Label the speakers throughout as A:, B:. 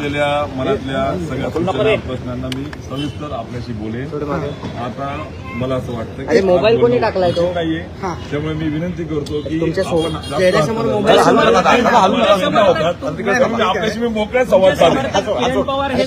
A: असलेल्या मनातल्या सगळ्या सूचना प्रश्नांना मी सविस्तर आपल्याशी बोलेन. आता मला असं वाटतं की
B: मोबाईल कोणी टाकलाय तो
A: नाहीये, त्यामुळे मी विनंती करतो की आपल्याशी मी मोकळ्या संवाद साधेन.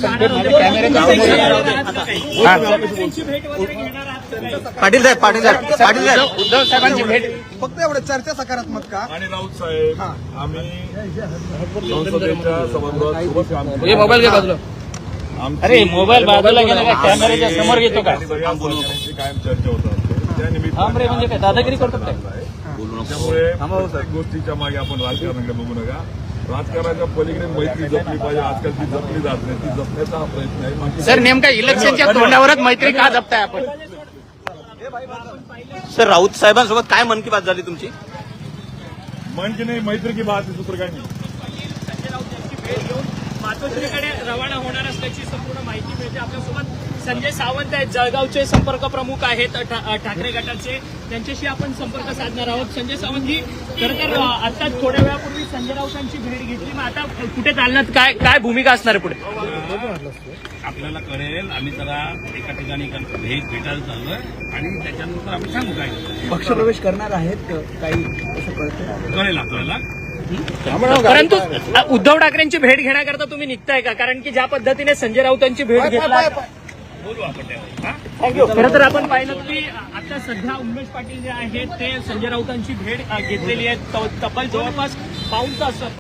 B: पाटील साहेब उद्धव साहेबांची भेट
C: फक्त एवढं चर्चा सकारात्मक का?
A: आणि राऊत साहेब आम्ही संसदेच्या सभागृहात सोबत काम केलं.
B: मोबाईल घे बाजूला. अरे मोबाईल बाजूला गेला का कॅमेऱ्याच्या समोर घेतो का?
A: सगळ्या सहकाऱ्यांची कायम चर्चा होतात त्या निमित्ताने
B: म्हणजे काय दादागिरी करतो काय?
A: त्यामुळे प्रत्येक गोष्टीच्या मागे आपण राजकारणाकडे बघू नका. राजकारणाच्या पलीकडे मैत्री जपली पाहिजे. आजकाल ती जपली जात नाही, ती जपण्याचा हा प्रयत्न आहे.
B: सर नेमका इलेक्शनच्या तोंडावरच मैत्री का जपताय आपण?
D: सर राऊत साहेबांसोबत काय मन की बात झाली तुमची?
A: मन की नाही, मैत्री की बात आहे, दुसरं काय नाही.
E: संजय राऊत यांची भेट घेऊन मातोश्रीकडे रवाना होणार असल्याची संपूर्ण माहिती मिळते. आपल्यासोबत संजय सावंत आहेत, जळगावचे संपर्क प्रमुख आहेत ठाकरे गटाचे. त्यांच्याशी आपण संपर्क साधणार आहोत. संजय सावंतजी, खरं तर आता थोड्या वेळापूर्वी संजय राऊतांची भेट घेतली, मग आता कुठे चालण्यात काय भूमिका असणार आहे पुढे?
F: आपल्याला कळेल. आम्ही जरा एका ठिकाणी भेटायला चाललोय आणि त्याच्यानंतर आम्ही सांगू काय
C: पक्षप्रवेश करणार आहेत काही असं कळतं?
F: कळेल आपल्याला.
E: परंतु उद्धव ठाकरेंची भेट घेण्याकरता तुम्ही निघताय का? कारण की ज्या पद्धतीने संजय राऊतांची भेट घेतला,
F: बोलू आपण त्यावर.
E: खरं तर आपण पाहिलं की आता सध्या उमेश पाटील जे आहेत ते संजय राऊतांची भेट घेतलेली आहे. तब्बल जवळपास पाऊण तास